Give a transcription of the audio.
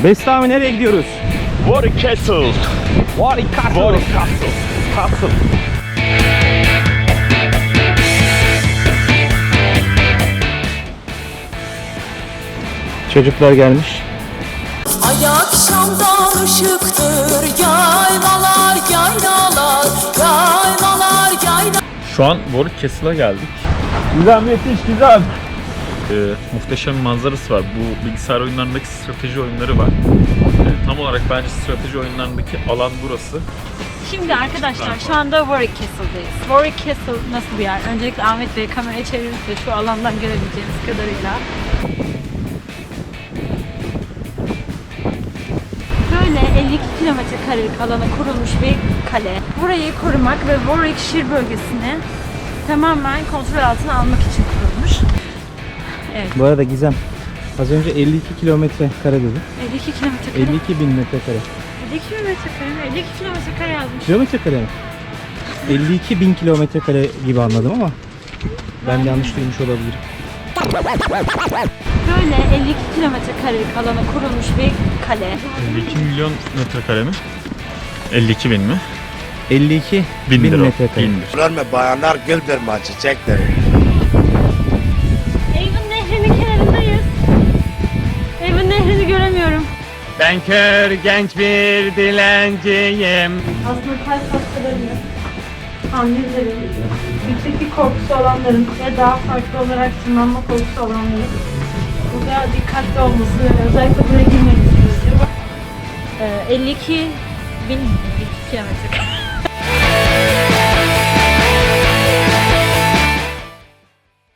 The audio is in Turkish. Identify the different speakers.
Speaker 1: Bestami nereye gidiyoruz?
Speaker 2: Warwick Castle.
Speaker 1: Warwick Castle.
Speaker 2: Warwick Castle.
Speaker 1: Castle. Çocuklar gelmiş.
Speaker 3: Ay akşamdan ışıktır yaylalar yaylalar yaylalar yaylalar.
Speaker 4: Şu an Warwick Castle'a geldik.
Speaker 2: Güzel, müthiş, güzel.
Speaker 4: Muhteşem bir manzarası var. Bu bilgisayar oyunlarındaki strateji oyunları var. Tam olarak bence strateji oyunlarındaki alan burası.
Speaker 5: Şimdi arkadaşlar şu anda Warwick Castle'dayız. Warwick Castle nasıl bir yer? Öncelikle Ahmet Bey kamerayı çevirirse şu alandan görebileceğiniz kadarıyla. Böyle 52 kilometre karelik alana kurulmuş bir kale. Burayı korumak ve Warwickshire bölgesini tamamen kontrol altına almak için kurulmuş. Evet.
Speaker 1: Bu arada Gizem, az önce 52 kilometre kare dedi.
Speaker 5: 52 kilometre kare.
Speaker 1: 52 bin metrekare.
Speaker 5: 52 kilometre kare mi? 52 kilometre kare yazmış.
Speaker 1: Kilometre kare mi? 52 bin kilometre kare gibi anladım ama ben yanlış duymuş olabilirim.
Speaker 5: Böyle 52 kilometre karelik alana kurulmuş bir kale.
Speaker 4: 52 milyon metrekare mi? 52 bin mi?
Speaker 1: 52
Speaker 4: Bindir
Speaker 1: bin
Speaker 4: o.
Speaker 1: metrekare.
Speaker 4: Bindir.
Speaker 6: Görme bayanlar güldürme çiçekleri.
Speaker 5: Avon Nehri'nin kenarındayız. Avon Nehri'ni göremiyorum.
Speaker 2: Ben kör genç bir dilenciyim.
Speaker 5: Aslında kalp hastalarının, annelerin, yükseklik korkusu olanların ve daha farklı olarak tırmanma korkusu olanların burada dikkatli olması ve özellikle buraya girmenizi istiyorum. 52 bin kilometre.